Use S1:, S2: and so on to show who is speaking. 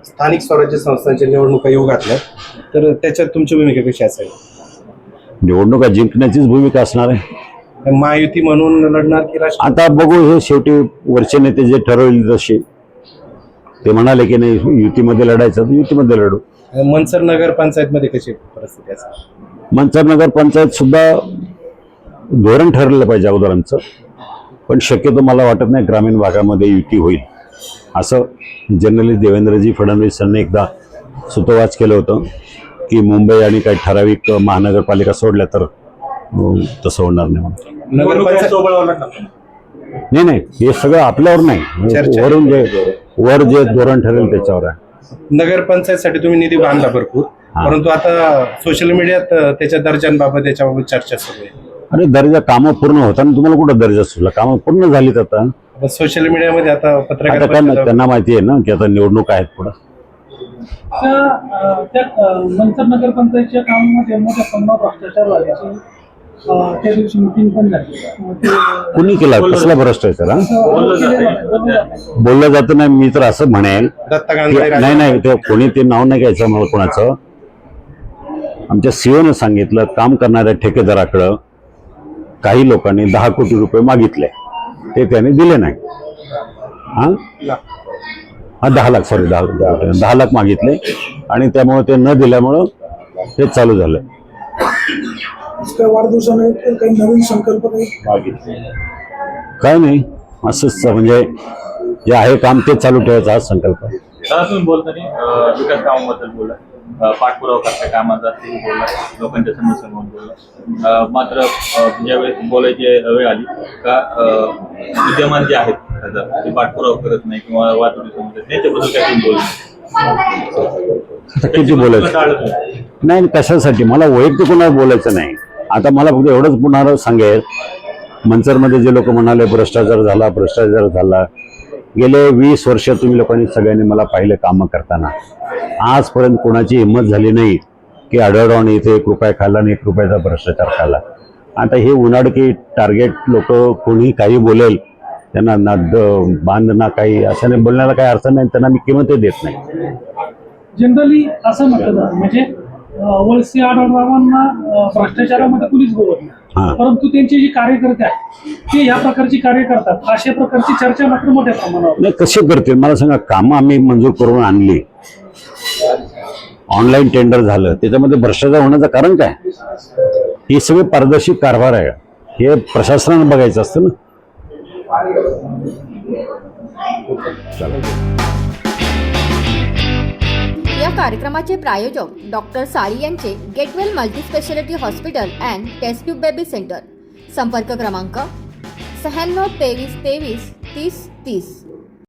S1: स्थानिक स्वराज्य संस्थांच्या निवडणुका येऊ घातल्या, तर त्याच्यात तुमची भूमिका कशी असेल?
S2: निवडणुका जिंकण्याचीच भूमिका असणार आहे.
S1: महायुती म्हणून लढणार की राष्ट्र?
S2: आता बघू, हे शेवटी वरचे नेते जे ठरवले तसे. ते म्हणाले की नाही युतीमध्ये लढायचं तर युतीमध्ये लढू.
S1: मनसर नगर पंचायत मध्ये कशी परिस्थिती असेल?
S2: मनसर नगर पंचायत सुद्धा धोरण ठरलं पाहिजे अगोदरांचं, पण शक्यतो मला वाटत नाही ग्रामीण भागामध्ये युती होईल असं. जनरली देवेंद्रजी फडणवीसांनी एकदा सुतोवाच केलं होतं की मुंबई आणि काही ठराविक महानगरपालिका सोडल्या तर तसं होणार नाही. नाही, हे सगळं आपल्यावर नाही, वरून वर जे धोरण ठरेल त्याच्यावर आहे.
S1: नगरपंचायतसाठी तुम्ही निधी बांधला भरपूर, परंतु आता सोशल मीडियात त्याच्या दर्जांबाबत याच्याबाबत चर्चा सुरू आहे.
S2: अरे दर्जा कामं पूर्ण होताना तुम्हाला कुठं दर्जा सुचला? कामं पूर्ण झालीत आता.
S1: सोशल मीडियामध्ये आता पत्रकार
S2: त्यांना माहिती आहे ना की आता निवडणूक आहेत पुढं.
S3: मनसर नगरपंचायतच्या कामामध्ये मोठ्या प्रमाणात भ्रष्टाचार झाल्याची त्या दिवशी मिटिंग पण झाली.
S2: कुणी केला? कसला भ्रष्टाचार? बोललं जातं नाही. मी तर असं म्हणेल, नाही ते कोणी ते नाव नाही घ्यायचं मला कोणाचं. आमच्या सीओनं सांगितलं काम करणाऱ्या ठेकेदाराकडं काही लोकांनी 10 कोटी रुपये मागितले, ते त्याने दिले नाही. हा 10 लाख, सॉरी 10 लाख मागितले आणि त्यामुळे ते न दिल्यामुळं हे चालू झालं.
S3: वाढदिवसाने काही नवीन संकल्पना
S2: काय नाही, असंच म्हणजे जे आहे काम ते चालू ठेवायचं हा संकल्प आहे.
S4: तुम्ही बोलताना विकास कामाबद्दल बोला, पाठपुरावा करता कामाचा ते बोलला, लोकांच्या समस्या म्हणून बोलला. मात्र ज्यावेळेस बोलायची वेळ आली का विद्यमान जे आहेत खासदार ते पाठपुरावा करत नाही किंवा वाहतुकीच्या समस्या त्याच्याबद्दल काय तुम्ही बोलता?
S2: किती बोलायचं नाही, कशासाठी? मला वैयक्तिक कोणाला बोलायचं नाही. आता मला फक्त एवढंच पुन्हा सांगेल, मनसरमध्ये जे लोक म्हणाले भ्रष्टाचार झाला, गेले 20 वर्ष तुम्ही लोकांनी सगळ्यांनी मला पाहिलं कामं करताना. आजपर्यंत कोणाची हिंमत झाली नाही की आढळराव इथे 1 रुपया खाल्ला आणि 1 रुपयाचा भ्रष्टाचार खाल्ला. आता हे उन्हाडकी टार्गेट लोक कोणी काही बोलेल त्यांना ना बांध ना काही, अशाने बोलण्याला काही अर्थ नाही. त्यांना मी किंमतही देत नाही.
S3: जनरली असं म्हटलं जातं, म्हणजे वळसे आढळरावांना भ्रष्टाचारामध्ये कुणीच बोलत नाही, परंतु त्यांचे जे कार्यकर्ते आहेत ते या प्रकारची कार्य करतात, अशा प्रकारची चर्चा मात्र मोठ्या प्रमाणावर.
S2: नाही, कसे करतील मला सांगा? कामं आम्ही मंजूर करून आणली, ऑनलाईन टेंडर झालं, त्याच्यामध्ये भ्रष्टाचार होण्याचं कारण काय? हे सगळे पारदर्शी कारभार आहे, हे प्रशासनाने बघायचं असतं ना.
S5: या कार्यक्रमाचे प्रायोजक डॉक्टर साळी यांचे get well multispeciality hospital and test tube baby centre. संपर्क क्रमांक 96 23 23 30 30.